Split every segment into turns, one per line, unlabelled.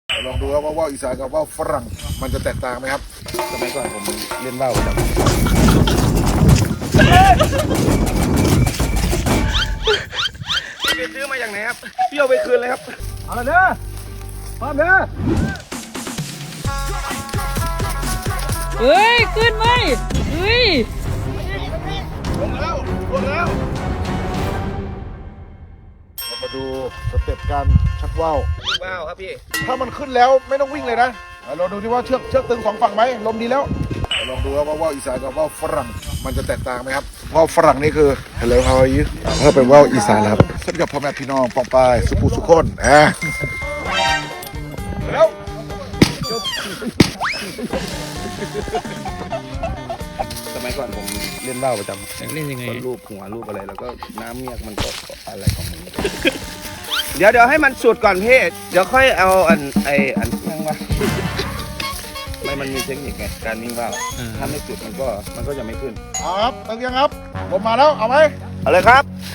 ลองดูครับว่าว่าวอีสานกับว่าวฝรั่งมันจะแตกต่างไหมครับสมัยก่อนผมเล่นว่าวประจำ
พี่ซื้อมาอย่างไหนครับพี่เอาไปคืนเลยครับเอาละเด้อพร้อมเด้อ
เฮ้ย ขึ้นไหมเฮ้ย
ลงแล้วเรามาดูสเต็ปการชักว่าว
ว้าวครับพี่
ถ้ามันขึ้นแล้วไม่ต้องวิ่งเลยนะเราดูที่ว่าเชือกตึงสองฝั่งไหมลมดีแล้วลองดูครับว่าว่าวอีสานกับว่าวฝรั่งมันจะแตกต่างไหมครับว่าวฝรั่งนี่คือ Hello how are you ถ้าเป็นว่าวอีสานครับสวัสดีครับพ่อแม่พี่น้องปองปายสุภูสุคนแล้ว
สมัยก่อนผมเล่นว่าวประจำ
เล่นยังไง
รูปหัวรูปอะไรแล้วก็น้ำเมียกมันก็อะไรของมันเดี๋ยวให้มันสุดก่อนพี่เดี๋ยวค่อยเอาอันนั่งวะมันมีเทคนิคไงการวิ่งว่าวถ้าไม่สุดมันก็จะไม่ขึ้น
เอาครับตึงยังครับผมมาแล้วเอาไหม
เอาเลยครับ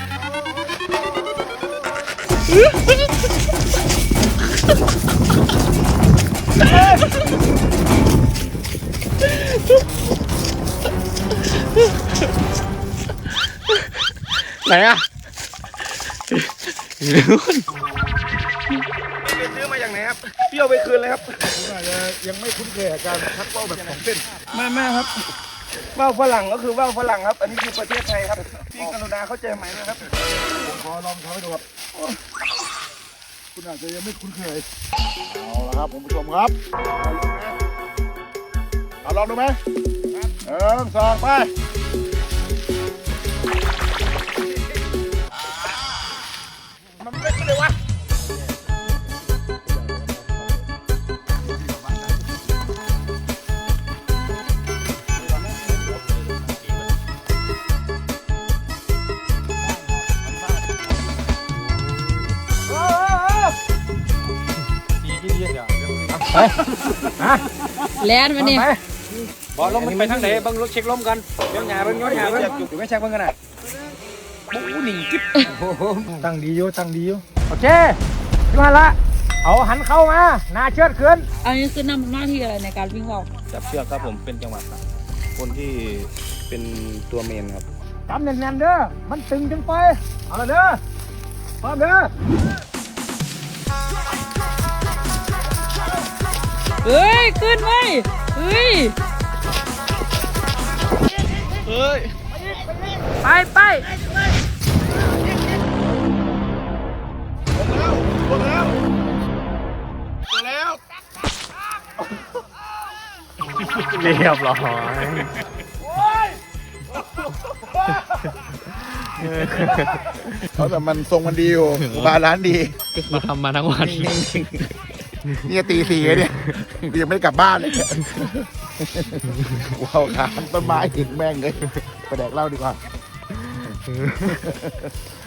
ไหนอ่ะ
พี่ซื้อมาอย่างไหนครับพี่เอาไปคืนเลยครับ
ผมอาจจะยังไม่คุ้นเคยกับการชักว่าวแบบสองเส้น
ไม่ครับว่าวฝรั่งก็คือว่าวฝรั่งครับ อันนี้คือประเทศไทยครับพี่กรุณาเข้าใจไหมนะครับ
ผมขอลองทำให้ดูครับคุณอาจจะยังไม่คุ้นเคยเอาละครับคุณผู้ชมครับเอาลองดูไหมสองไปมันไม่ขึ้นเลยวะ
แลนมาเนี่ย
บอลลมมันไปทางไหนบังรถเช็คลมกันเดี๋ยวหยาเบิ้งอยู่ไม่เช็คเบิ้งกันนะปูหนิงกิ๊บตั้งดีอยู่โอเคยูฮันละเอาหันเข้ามาหน้าเชือดขึ้น
อันนี้คือนำหน้าที่อะไรในการวิ่งว่าว
จับเชือกครับผมเป็นจังหวะครับคนที่เป็นตัวเมนครับ
จำแน่นๆเด้อ มันตึงจังไป เอาละเด้อพร้อมเด้อ
เฮ้ย ขึ้นไหมเฮ้ย ไป
เรียบร้อย
เขาแต่มันทรงมันดีอยู่บาลานซ์ดี
มาทำมาทั้งวัน
นี่จะตีสี่เนี่ยยังไม่ได้กลับบ้านเลยว้าวขาต้นไม้ถึงแม่งเลยไปแดกเหล้าดีกว่า